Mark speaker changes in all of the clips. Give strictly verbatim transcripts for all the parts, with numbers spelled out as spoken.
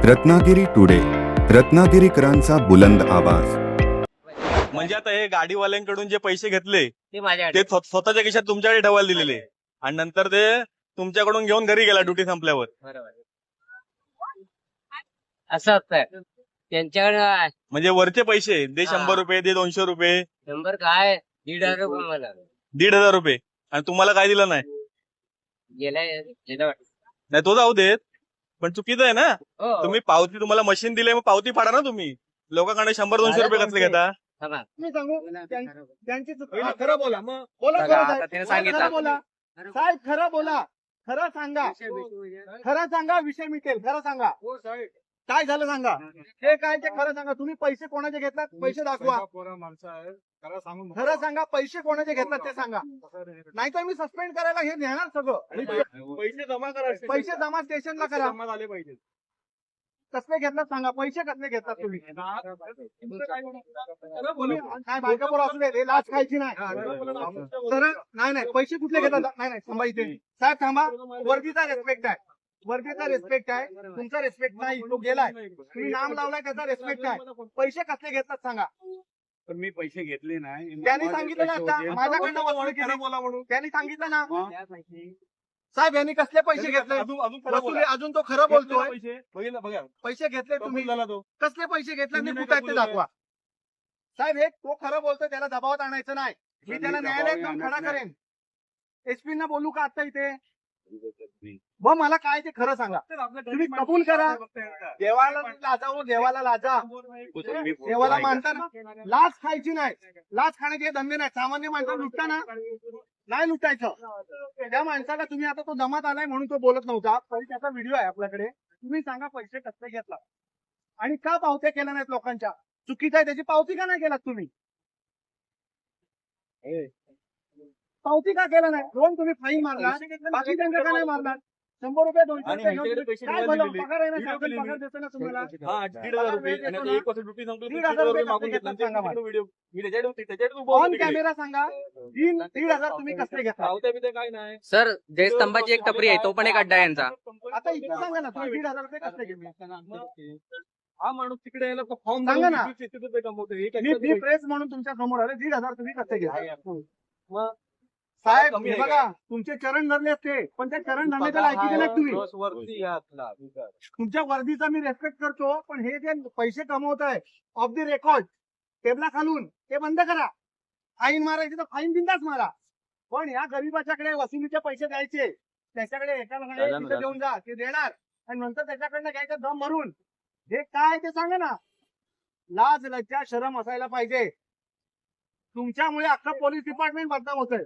Speaker 1: Ratnagiri today, रत्नागिरीकरांचा बुलंद आवाज.
Speaker 2: म्हणजे आता हे गाडीवाल्यांकडून जे पैसे घेतले
Speaker 3: ते माझ्याकडे
Speaker 2: ते स्व- स्वतःच्या खिशात तुमच्याकडे ठेवायला दिलेले आणि नंतर ते तुमच्याकडून घेऊन घरी गेला ड्युटी संपल्यावर.
Speaker 3: बरोबर असं असतं त्यांच्याकडे.
Speaker 2: म्हणजे वरचे पैसे दे,
Speaker 3: हा.
Speaker 2: शंभर रुपये दे, दोनशे रुपये,
Speaker 3: शंभर काय दीड हजार रुपये मला
Speaker 2: दीड हजार रुपये आणि तुम्हाला काय दिलं नाही.
Speaker 3: गेलाय गेला वाटतं.
Speaker 2: नाही तो जाऊ देत, पण चुकीचं आहे ना.
Speaker 3: हो
Speaker 2: तुम्ही पावती, तुम्हाला मशीन दिले मग पावती फाडा ना तुम्ही. लोकांकडे शंभर दोनशे रुपये कसले घेता.
Speaker 3: थांबा.
Speaker 4: मी सांगू त्यां- त्यांची चूक- हा,
Speaker 2: खरं बोला मग.
Speaker 4: बोला
Speaker 3: बघा,
Speaker 4: खरं
Speaker 3: आता
Speaker 4: साहेब.
Speaker 3: त्याने
Speaker 4: बोला,
Speaker 3: सांगितलं.
Speaker 4: खरं बोला साहेब, खरं बोला, खरं सांगा, खरं सांगा, विषय मिटेल. खरं सांगा काय झालं सांगा. हे काय ते खरं सांगा. तुम्ही पैसे कोणाचे घेतलात, पैसे दाखवा. खरं सांगा, पैसे कोणाचे घेतलात ते सांगा, नाहीतर मी सस्पेंड करायला हे नेणार सगळं. आणि
Speaker 2: पैसे जमा करा.
Speaker 4: पैसे जमा स्टेशनला करा.
Speaker 2: जमा झाले पाहिजे.
Speaker 4: कसले घेतलात सांगा, पैसे कसले घेतलात तुम्ही. तुम्ही काय बायका बोला असू दे, हे लाच खायची नाही. तर नाही नाही पैसे कुठले घेतात. नाही नाही थांबा इथे साहेब, थांबा. वर्दीचा रेस्पेक्ट आहे, वर्दीचा रेस्पेक्ट आहे, तुमचा रेस्पेक्ट नाही. तो गेलाय, तुम्ही नाम लावलाय त्याचा रेस्पेक्ट आहे. पैसे कसले घेतात सांगा.
Speaker 5: पण मी पैसे घेतले नाही.
Speaker 4: त्यांनी सांगितलं ना आता, माझ्याकडनं वसूल केली
Speaker 2: बोला म्हणून.
Speaker 4: त्यांनी सांगितलं ना साहेब, यांनी कसले पैसे घेतले.
Speaker 2: अजून अजून खरं
Speaker 4: वसुली
Speaker 2: बोला.
Speaker 4: अजून तो खरं बोलतोय.
Speaker 2: पैसे बघितलं बघा.
Speaker 4: पैसे घेतले तुम्ही,
Speaker 2: कबूल झाला तो.
Speaker 4: कसले पैसे घेतले आणि
Speaker 2: तुम्ही
Speaker 4: कुठे आहेत ते
Speaker 2: कबूल आहे.
Speaker 4: दाखवा. साहेब, हे तो खरं बोलतोय, त्याला दबावात आणायचं नाही. मी त्याला न्यायालयात जाऊन खडा करेन. एसपी ना बोलू का आता इथे. व मला काय ते खरं सांगा. तुम्ही कबूल करा. देवाला लाजा, हो देवाला लाजा. देवाला मानताना लाच खायची नाही. लाच खाण्याचे हे धंदे नाही. सामान्य माणसाला लुटताना नाही लुटायचं. त्या माणसाला तुम्ही आता तो जमात आलाय म्हणून तो बोलत नव्हता, तरी त्याचा व्हिडिओ आहे आपल्याकडे. तुम्ही सांगा पैसे कसले घेतला आणि का पावत्या केल्या नाहीत लोकांच्या. चुकीचं आहे, त्याची पावती का नाही केलात तुम्ही. पावती का केला नाही. दोन तुम्ही फाईन मारला, बाकी त्यांचं का नाही मारला. शंभर रुपये दोनशे
Speaker 2: आणि
Speaker 4: रुपये
Speaker 2: ह्याच्याकडे
Speaker 4: घेऊन
Speaker 2: पैसे
Speaker 4: काय
Speaker 2: ठेवायला
Speaker 4: भलं,
Speaker 2: दिले.
Speaker 4: पगार आहे ना,
Speaker 2: व्हिडिओ
Speaker 4: शासन
Speaker 2: केले
Speaker 4: पगार
Speaker 2: मी.
Speaker 4: देतो ना तुम्हाला.
Speaker 2: हा, दीड हजार रुपये आणि आता एक वाजता ड्युटी संपली.
Speaker 4: दीड हजार रुपये
Speaker 2: मागून
Speaker 4: कसले
Speaker 2: घेतला.
Speaker 4: घेतला सांगा मला.
Speaker 2: व्हिडिओ मी त्याच्याकडे त्याच्याकडे उभं होतो
Speaker 4: ऑन
Speaker 2: तिकडे.
Speaker 4: कॅमेरा सांगा, दीड दीड हजार तुम्ही कसले घेतला.
Speaker 2: पावत्या बिवत्या काय नाही.
Speaker 6: सर जयस्तंभाची एक टपरी आहे, तो पण एक अड्डा आहे यांचा.
Speaker 4: आता इथे सांगा ना, तुम्ही दीड हजार रुपये कसले घेतले.
Speaker 2: हा माणूस तिकडे यायला फॉर्म
Speaker 4: सांगा ना.
Speaker 2: रुपये कमवतो. हे काय
Speaker 4: मी
Speaker 2: करतो
Speaker 4: मी
Speaker 2: पैसे?
Speaker 4: प्रेस म्हणून तुमच्या समोर आले. दीड हजार तुम्ही कसले घेतले.
Speaker 2: मग
Speaker 4: साहेब,
Speaker 2: कमी
Speaker 4: हे
Speaker 2: आहे
Speaker 4: बघा, तुमचे चरण धरले असते, पण त्या चरण धरण्याच्या लायकीचे नाही तुम्ही.
Speaker 2: बस वरती घातला.
Speaker 4: तुमच्या वर्दीचा मी रेस्पेक्ट करतो, पण हे जे पैसे कमवत आहे ऑफ द रेकॉर्ड टेबला खालून, ते बंद करा. फाईन मारायची तर फाईन बिंदाच मारा, पण या गरीबाच्याकडे वसुलीचे पैसे द्यायचे. त्याच्याकडे एकाकडे तिथे देऊन जा, ते देणार आणि नंतर त्याच्याकडनं घ्यायचं दम भरून. हे काय ते सांगा ना. लाज लज्जा शरम असायला पाहिजे. तुमच्यामुळे अख्खं पोलीस डिपार्टमेंट बदनाम होतंय.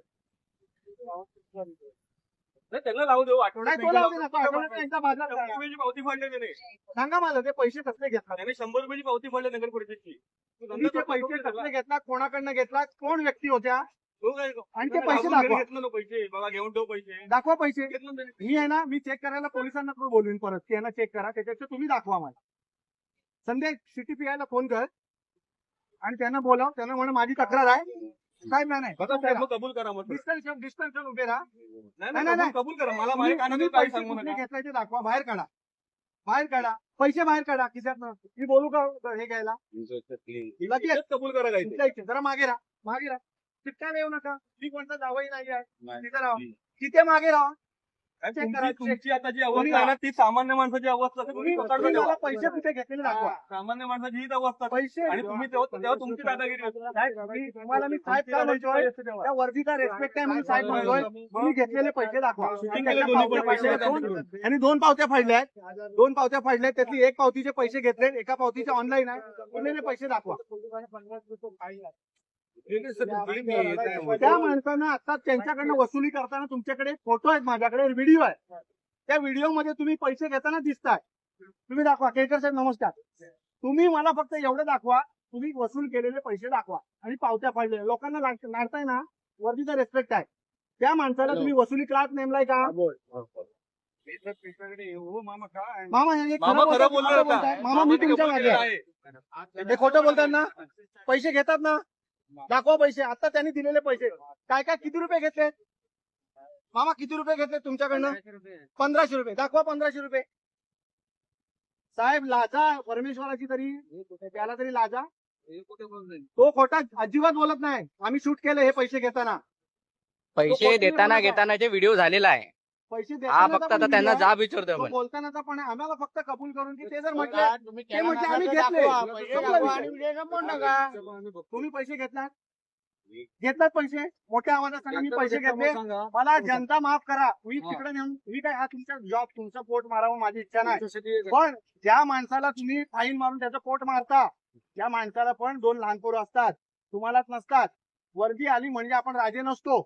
Speaker 2: नाही, त्यांना लावू देऊ.
Speaker 4: नाही,
Speaker 2: आठवड्यात
Speaker 4: तो लावू दे ना, तो आठवड्यात त्यांचा बाजार
Speaker 2: शंभर
Speaker 4: करा.
Speaker 2: रुपयाची पावती फाडली त्याने.
Speaker 4: सांगा मला ते पैसे कसले घेतला.
Speaker 2: त्याने शंभर रुपयाची पावती फाडली नगर परिषदची.
Speaker 4: तुम्ही ते पैसे कसले घेतलात, कोणाकडनं घेतलात, कोण व्यक्ती होत्या,
Speaker 2: तो काय
Speaker 4: आणि ते पैसे
Speaker 2: आपण घरी
Speaker 4: दाखवा.
Speaker 2: घेतलं ना पैसे. बाबा घेऊन ठेव पैसे.
Speaker 4: दाखवा पैसे.
Speaker 2: घेतलं ना त्याने.
Speaker 4: मी आहे ना, मी चेक करायला पोलिसांना पण बोलवीन परत की यांना चेक करा. त्याच्यापेक्षा तुम्ही दाखवा मला. संध्या सिटी पीआयला फोन कर आणि त्यांना बोलाव. त्यांना म्हणा माझी तक्रार आहे. काय नाही नाही
Speaker 2: बघा साहेब, मग कबूल करा मग.
Speaker 4: डिस्टन्स डिस्टन्स उभे राहा.
Speaker 2: नाही
Speaker 4: नाही,
Speaker 2: नाही,
Speaker 4: नाही.
Speaker 2: कबूल कबूल करा. मला
Speaker 4: तुम्ही-
Speaker 2: माझ्या कानात
Speaker 4: तुम्ही
Speaker 2: काय
Speaker 4: पैसे
Speaker 2: सांगू
Speaker 4: कुठले
Speaker 2: नका.
Speaker 4: घेतलाय ते दाखवा. बाहेर काढा, बाहेर काढा पैसे, बाहेर काढा खिशात. मी बोलू का हे घ्यायला. लगेच
Speaker 2: तेच कबूल करा काय ते.
Speaker 4: तुमच्या इथे जरा मागे राहा, मागे राहा. चिटकायला येऊ नका. मी कोणता जावई नाही आहे. तिथे राहा, तिथे मागे राहा.
Speaker 2: आणि
Speaker 4: चेक
Speaker 2: तुमची-
Speaker 4: करा, चेक.
Speaker 2: तुमची आता जी
Speaker 4: कोणी
Speaker 2: अवस्था आहे ना, ती सामान्य माणसाची अवस्था आहे.
Speaker 4: तुम्ही
Speaker 2: तुम्ही पकडलं
Speaker 4: तुम्ही मला
Speaker 2: तेव्हा.
Speaker 4: पैसे कुठे घेतलेले दाखवा.
Speaker 2: सामान्य माणसाची हीच अवस्था आहे.
Speaker 4: पैसे
Speaker 2: आणि तुम्ही तेव्हा तेव्हा तुमची दादागिरी होती.
Speaker 4: साहेब, मी- तुम्हाला मी साहेब का म्हणतोय, त्या वर्दीचा रेस्पेक्ट आहे म्हणून साहेब म्हणतोय. तुम्ही घेतलेले पैसे दाखवा.
Speaker 2: शूटिंग केलं दोन्ही पण पैसे
Speaker 4: दोन- आणि दोन पावत्या फाडल्या आहेत. दोन पावत्या फाडल्या आहेत. त्यातली एक पावतीचे पैसे घेतले, एका पावतीचे ऑनलाईन आहे. उरलेले पैसे दाखवा. त्या माणसानं आता त्यांच्याकडनं वसुली करताना तुमच्याकडे फोटो आहेत, माझ्याकडे व्हिडिओ आहे. त्या व्हिडिओ मध्ये तुम्ही पैसे घेताना दिसताय. तुम्ही दाखवा. केळकर साहेब नमस्कार. तुम्ही मला फक्त एवढं दाखवा, तुम्ही वसूल केलेले पैसे दाखवा आणि पावत्या फाडले. लोकांना लाडताय ना, वर्दीचा रेस्पेक्ट आहे. त्या माणसाला तुम्ही वसुली क्लास नेमलाय का.
Speaker 5: मामा काय
Speaker 4: मामा हे
Speaker 2: मामा
Speaker 4: खरं
Speaker 2: खरं
Speaker 4: बोलताय,
Speaker 2: बोलले
Speaker 4: खरं
Speaker 2: होता.
Speaker 4: बोलताय. मामा मी तुमच्या मागे आहे. हे खोटं बोलतात ना. पैसे घेतात ना, दाखवा पैसे. आता त्यांनी दिलेले पैसे काय काय किती रुपये घेतले. मामा किती रुपये घेतले तुमच्याकडनं. पंधराशे रुपये दाखवा. पंधराशे रुपये साहेब लाजा परमेश्वराची तरी त्याला तरी लाजा. तो खोटा अजिबात बोलत नाही. आम्ही शूट केलं हे पैसे घेताना.
Speaker 6: पैसे देताना घेतानाचे व्हिडिओ झालेला आहे.
Speaker 4: पैसे
Speaker 6: हा
Speaker 4: देतानाचा
Speaker 6: फक्त
Speaker 4: पण
Speaker 6: आता त्यांना
Speaker 4: video आहे,
Speaker 6: जाब विचारतोय
Speaker 4: तो
Speaker 6: आपण.
Speaker 4: बोलतानाचा पण आहे. आम्हाला फक्त कबूल करून की ते जर म्हटलं ते म्हटले आम्ही घेतले तुम्ही पैसे घेतलात घेतलात पैसे मोठ्या आवाजात सांगा मी पैसे घेतले मला जनता माफ करा. मी तिकडे नेऊन मी काय हा तुमचा जॉब तुमचा पोट मारावं माझी इच्छा नाही. पण ज्या माणसाला तुम्ही फाईन मारून त्याचं पोट मारता त्या माणसाला पण दोन लहान पोरं असतात तुम्हालाच नसतात. वर्दी आली म्हणजे आपण राजे नसतो.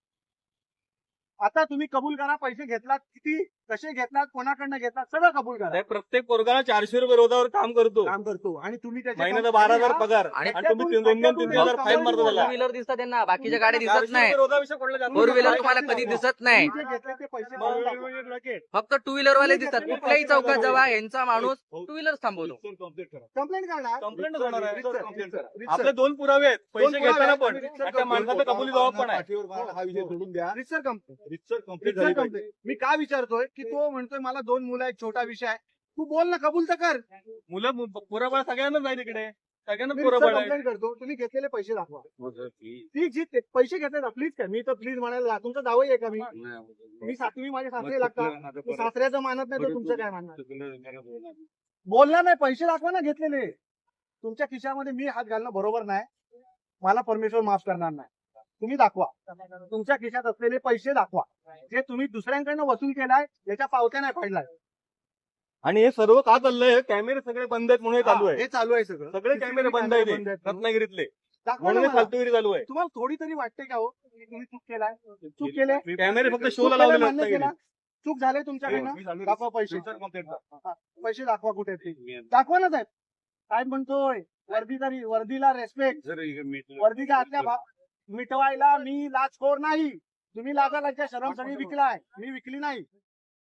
Speaker 4: आता तुम्ही कबूल करा पैसे घेतलात किती कसे घेतलात कोणाकडनं घेतलात सगळं कबूल करा.
Speaker 2: साहेब, प्रत्येक पोरगाला चारशे रुपये रोजावर काम करतो.
Speaker 4: काम करतो आणि तुम्ही त्याच्या
Speaker 2: महिन्याला बारा हजार पगार
Speaker 6: आणि
Speaker 2: आणि तुम्ही तीन- दोन दोन तीन तीन हजार फाईन मारतो
Speaker 6: फोर
Speaker 2: त्याला.
Speaker 6: व्हीलर दिसतात त्यांना, बाकीच्या गाड्या दिसत
Speaker 2: चारशे
Speaker 6: नाही.
Speaker 2: रुपये रोजाविषयी कोणाला जास्त
Speaker 6: फोर व्हीलर
Speaker 2: नाही.
Speaker 6: तुम्हाला कधी दिसत नाही.
Speaker 4: तुम्ही जे घेतले ते पैसे भरून टाका.
Speaker 6: फक्त टू व्हीलर वाले दिसतात. कुठल्याही चौकात जावा यांचा माणूस टू व्हीलर थांबवतो.
Speaker 4: कंप्लेंट करणार
Speaker 2: कंप्लेंट होणार आहे.
Speaker 4: रीतसर, रीतसर, रीतसर.
Speaker 2: आपले दोन पुरावे आहेत पैसे
Speaker 4: दोन पुरावे
Speaker 2: घेताना
Speaker 4: आहेत.
Speaker 2: पण
Speaker 4: रीतसर
Speaker 2: आणि त्या माणसाचा कबुली जबाब पण आहे.
Speaker 5: हा विषय सोडून द्या.
Speaker 4: रीतसर कंप्लेंट
Speaker 5: रितसर कंप्लीट
Speaker 4: रीतसर कंप्लेंट. मी का विचारतोय की तो म्हणतोय मला दोन मुलं आहेत छोटा विषय आहे. तू बोल ना कबूल तर कर.
Speaker 2: मुलं पुराबळ सगळ्यांना जाईल इकडे सगळ्यांना
Speaker 4: मी
Speaker 2: पुराबळ आहे.
Speaker 4: कंप्लेंट करतो तुम्ही घेतलेले पैसे दाखवा. ती जी ते पैसे घेतले प्लीज काय मी तर प्लीज म्हणायला तुमचा दावाही आहे का मी मी सातवी माझे सासरे लागतात. मी सासऱ्याचं मानत नाही तर तुमचं काय मानणार. बोलणार नाही पैसे दाखवा ना घेतलेले. तुमच्या खिशामध्ये मी हात घालणं बरोबर नाही. मला परमेश्वर माफ करणार नाही. तुम्ही दाखवा तुमच्या खिशात असलेले पैसे दाखवा जे तुम्ही दुसऱ्यांकडनं वसूल केलाय याच्या पावत्या नाही पडलाय.
Speaker 2: आणि हे सर्व का चाललंय कॅमेरे सगळे बंद आहेत म्हणून हे चालू आहे.
Speaker 4: हे चालू आहे सगळं
Speaker 2: सगळे कॅमेरे बंद आहेत
Speaker 4: बंद
Speaker 2: हे.
Speaker 4: आहेत.
Speaker 2: रत्नागिरीतले
Speaker 4: दाखवा
Speaker 2: म्हणून
Speaker 4: ना
Speaker 2: हे
Speaker 4: मला.
Speaker 2: फालतूगिरी चालू आहे.
Speaker 4: तुम्हाला थोडी तरी वाटते का हो की तुम्ही चूक केलाय चूक केले
Speaker 2: कॅमेरे फक्त
Speaker 4: चूक
Speaker 2: शोला
Speaker 4: केलं,
Speaker 2: लावलेले
Speaker 4: मान्य
Speaker 2: रत्नागिरीत.
Speaker 4: केलं. चूक झाले तुमच्याकडनं दाखवा पैसे हा, पैसे दाखवा कुठे ते दाखवा ना साहेब. काय म्हणतोय वर्दी तरी वर्दीला रेस्पेक्ट वर्दीच्या आतल्या भा- मिटवायला मी लाचखोर नाही. तुम्ही लाजा लाजच्या शरम सगळी विकलाय मी विकली नाही.